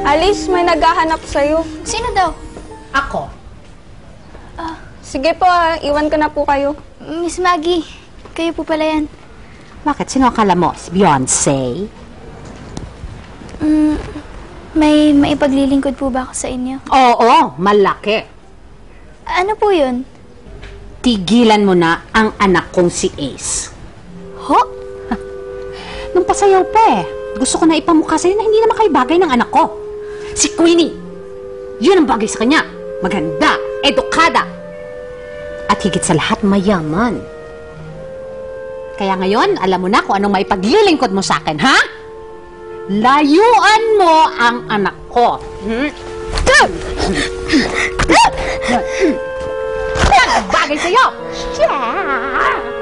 Alice, may naghahanap sa'yo. Sino daw? Ako. Sige po, iwan ko na po kayo. Miss Maggie, kayo po pala yan. Bakit? Sino akala mo? Si Beyonce? May maipaglilingkod po ba ako sa inyo? Oo, malaki. Ano po yun? Tigilan mo na ang anak kong si Ace. Ho? Nung pasayaw pa eh. Gusto ko na ipamukha sa'yo na hindi naman kayo bagay ng anak ko. Si Queenie. Yun ang bagay sa kanya. Maganda, edukada. At higit sa lahat, mayaman. Kaya ngayon, alam mo na kung anong maipaglilingkod mo sa akin, ha? Layuan mo ang anak ko. Yan ang bagay sa'yo. Yeah.